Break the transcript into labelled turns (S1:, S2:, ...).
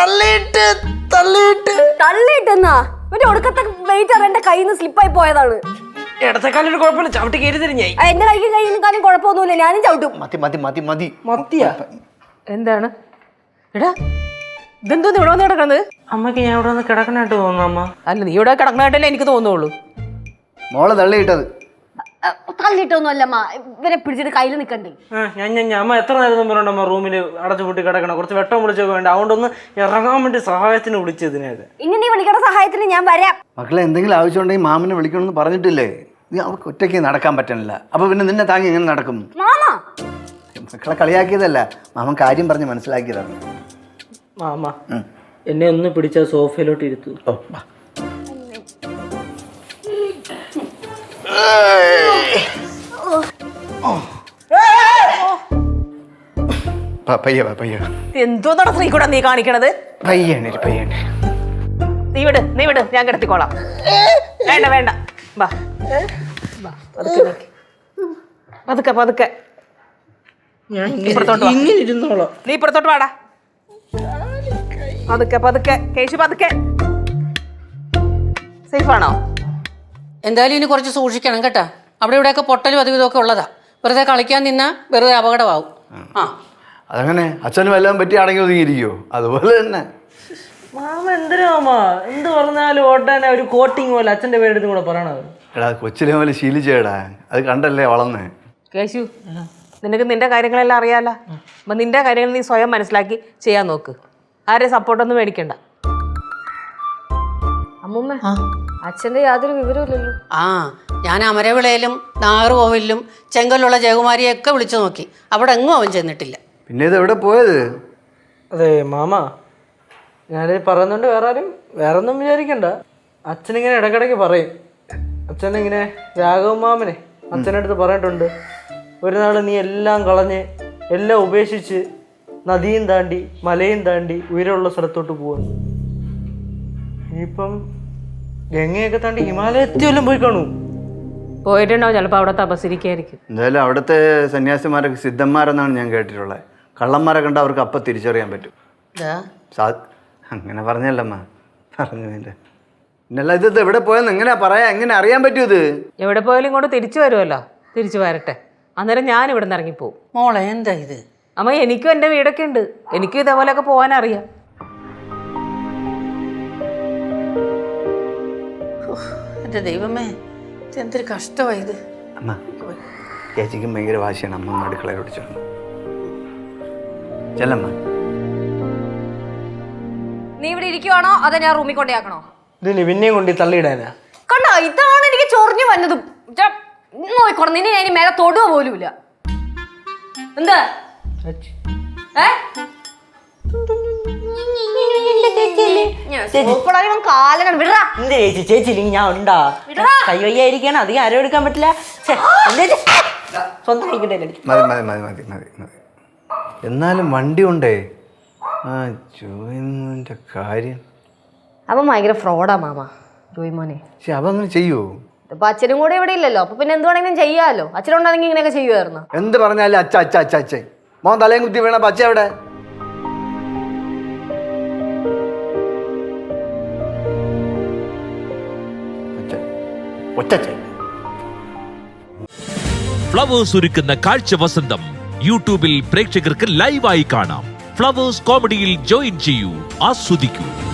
S1: തള്ളിയിട്ടെന്നാ ഒരു ഒടുക്കത്തെ വെയിറ്റർ എന്റെ കയ്യിൽ നിന്ന് സ്ലിപ്പായി പോയതാണ്.
S2: ഇടത്തെക്കാലൊരു കുഴപ്പമില്ല, ചവിട്ടി കയറി തരിഞ്ഞായി.
S1: എന്റെ കയ്യിൽ കുഴപ്പമൊന്നുമില്ല, ഞാനും ചവിട്ടും.
S2: മത്തിയാ
S3: എന്താണ് എടാ ഇതെന്തോന്ന് ഇവിടെ വന്ന് കിടക്കണത്?
S2: അമ്മക്ക് ഞാൻ ഇവിടെ വന്ന് കിടക്കണായിട്ട് തോന്നുന്നു അമ്മ.
S3: അല്ല നീ ഇവിടെ കിടക്കണായിട്ടല്ലേ എനിക്ക് തോന്നുള്ളൂ.
S4: മോളെ തള്ളിയിട്ടത്.
S1: തള്ളിയിട്ടൊന്നുമല്ലമ്മ, ഇവരെ പിടിച്ചിട്ട് കയ്യിൽ നിൽക്കണ്ടേ.
S2: അമ്മ എത്ര നേരം പറഞ്ഞമ്മ റൂമിൽ അടച്ചു പൂട്ടി കിടക്കണം, കുറച്ച് വെട്ടം വിളിച്ചൊക്കെ വേണ്ട, അതുകൊണ്ടൊന്ന് ഇറങ്ങാൻ വേണ്ടി സഹായത്തിന് വിളിച്ചതിനേത്.
S1: ഇനി നീ വിളിക്കണ സഹായത്തിന് ഞാൻ വരാം.
S4: മക്കളെ എന്തെങ്കിലും ആവശ്യമുണ്ടെങ്കിൽ മാമനെ വിളിക്കണമെന്ന് പറഞ്ഞിട്ടില്ലേ? നീ അവൾക്ക് ഒറ്റയ്ക്ക് നടക്കാൻ പറ്റണില്ല, അപ്പൊ പിന്നെ നിന്നെ താങ്ങി എങ്ങനെ നടക്കും? മക്കളെ കളിയാക്കിയതല്ല, മാമൻ കാര്യം പറഞ്ഞ് മനസ്സിലാക്കിയതാണ്.
S2: മാമ എന്നെ ഒന്ന് പിടിച്ച സോഫയിലോട്ട് ഇരുത്തു.
S3: എന്തോന്നാണ് സ്ത്രീ കൂടെ നീ കാണിക്കണത്? നീ വിട് ഞാൻ കിടത്തിക്കോളാം. വേണ്ട വാ പതുക്കെ നീ ഇപ്പുറത്തോട്ട് വാടാ. പതുക്കെ കേശു പതുക്കെ. സേഫാണോ?
S5: എന്തായാലും ഇനി കുറച്ച് സൂക്ഷിക്കണം കേട്ടാ. അവിടെ ഇവിടെയൊക്കെ പൊട്ടലും അതും ഇതൊക്കെ ഉള്ളതാ. വെറുതെ കളിക്കാൻ നിന്നാ വെറുതെ അപകടമാവും.
S4: അതങ്ങനെ അച്ഛനും എല്ലാം പറ്റി അടങ്ങി ഒതുങ്ങിയിരിക്കുവോ? അതുപോലെ തന്നെ
S2: മാമ എന്തിനാ എന്ത് പറഞ്ഞാലും ഓട്ടാൻ ഒരു കോട്ടിങ് പോലെ അച്ഛൻ്റെ പേരെടുത്തും കൂടെ പറയണത്.
S4: എടാ കൊച്ചിലെ പോലെ ശീലിച്ചേടാ, അത് കണ്ടല്ലേ വളർന്നേ.
S3: കേശു നിനക്ക് നിന്റെ കാര്യങ്ങളെല്ലാം അറിയാലോ. അപ്പം നിന്റെ കാര്യങ്ങൾ നീ സ്വയം മനസ്സിലാക്കി ചെയ്യാൻ നോക്ക്. ആരെ സപ്പോർട്ടൊന്നും മേടിക്കണ്ട.
S1: അമ്മൂമ്മ അച്ഛന്റെ യാതൊരു വിവരമില്ലല്ലോ.
S5: ഞാൻ അമരവിളയിലും നാഗർകോവിലും ചെങ്കലുള്ള ജയകുമാരിയൊക്കെ വിളിച്ചു നോക്കി, അവിടെ എങ്ങും അവൻ ചെന്നിട്ടില്ല.
S4: പിന്നെ ഇത് എവിടെ പോയത്?
S2: അതെ മാമ, ഞാനിത് പറയുന്നുണ്ട് വേറെ ഒന്നും വിചാരിക്കണ്ട. അച്ഛനിങ്ങനെ ഇടയ്ക്കിടയ്ക്ക് പറയും. അച്ഛനിങ്ങനെ രാഘവ മാമനെ അച്ഛൻ്റെ അടുത്ത് പറഞ്ഞിട്ടുണ്ട്, ഒരു നാൾ നീ എല്ലാം കളഞ്ഞ് എല്ലാം ഉപേക്ഷിച്ച് നദിയും താണ്ടി മലയും താണ്ടി ഉയരമുള്ള സ്ഥലത്തോട്ട് പോവാണ്. ഇനിയിപ്പം ഗംഗയൊക്കെ താണ്ടി ഹിമാലയത്തിൽ വല്ലതും പോയി കാണൂ.
S3: പോയിട്ടുണ്ടാവും, ചിലപ്പോൾ അവിടെ തപസ്സിരിക്കായിരിക്കും.
S4: എന്തായാലും അവിടുത്തെ സന്യാസിമാരൊക്കെ സിദ്ധന്മാരെന്നാണ് ഞാൻ കേട്ടിട്ടുള്ളത്. കള്ളന്മാരെ കണ്ട അവർക്ക് അപ്പം തിരിച്ചറിയാൻ പറ്റും. അങ്ങനെ പറഞ്ഞല്ലമ്മ, പറഞ്ഞതിൻ്റെ പിന്നല്ല. ഇത് എവിടെ പോയെന്ന് എങ്ങനെയാ പറയാ, എങ്ങനെ അറിയാൻ പറ്റൂ? ഇത്
S3: എവിടെ പോയാലും ഇങ്ങോട്ട് തിരിച്ചു വരുമല്ലോ. തിരിച്ചു വരട്ടെ, അന്നേരം ഞാൻ ഇവിടെ നിന്ന് ഇറങ്ങിപ്പോവും.
S5: മോളെ എന്താ ഇത്?
S3: അമ്മ എനിക്കും എൻ്റെ വീടൊക്കെ ഉണ്ട്, എനിക്കും ഇതേപോലെയൊക്കെ പോകാനറിയാം.
S5: എൻ്റെ ദൈവമേ, എന്തൊരു കഷ്ടമായത്.
S4: അമ്മ ചേച്ചിക്കും ഭയങ്കര വാശിയാണ്. അമ്മ അടുക്കളയിലോട്ട് ചെന്നു ചെല്ലമ്മ.
S1: നീ ഇവിടെ ഇരിക്കുവാണോ അതോ ഞാൻ റൂമിൽ കൊണ്ടേക്കണോ?
S2: ഇതിന് പിന്നെയും കൊണ്ട് തള്ളിയിടാനാ?
S1: കണ്ടോ, ഇതാണ് എനിക്ക് ചൊറിഞ്ഞു വന്നതും. നോയിക്കോണം, നിന്നെ ഞാൻ മേലെ തൊടുക പോലുമില്ല. എന്താ
S2: ചേച്ചി ഞാൻ ഉണ്ടാ കൈവയ്യായിരിക്കാണ്, അധികം ആരും എടുക്കാൻ പറ്റില്ല. സ്വന്തം
S4: മതി. എന്നാലും വണ്ടി ഉണ്ടേ. ജോയിന്റെ കാര്യം
S1: അവൻ ഭയങ്കര ഫ്രോഡാ മാമ, ജോയി മോനെ.
S4: പക്ഷെ അവ അങ്ങനെ ചെയ്യുവോ?
S1: ഇപ്പൊ അച്ഛനും കൂടെ ഇവിടെ ഇല്ലല്ലോ, അപ്പൊ പിന്നെ എന്ത് വേണമെങ്കിലും ചെയ്യാലോ. അച്ഛനുണ്ടാണെങ്കിൽ ഇങ്ങനെയൊക്കെ ചെയ്യുമായിരുന്നു.
S4: എന്ത് പറഞ്ഞാലും അച്ഛ മോൻ തലയും കുത്തി വീണ അച്ഛ എവിടെ?
S6: ഫ്ലവേഴ്സ് ഒരുക്കുന്ന കാഴ്ച വസന്തം യൂട്യൂബിൽ പ്രേക്ഷകർക്ക് ലൈവായി കാണാം. ഫ്ലവേഴ്സ് കോമഡിയിൽ ജോയിൻ ചെയ്യൂ, ആസ്വദിക്കൂ.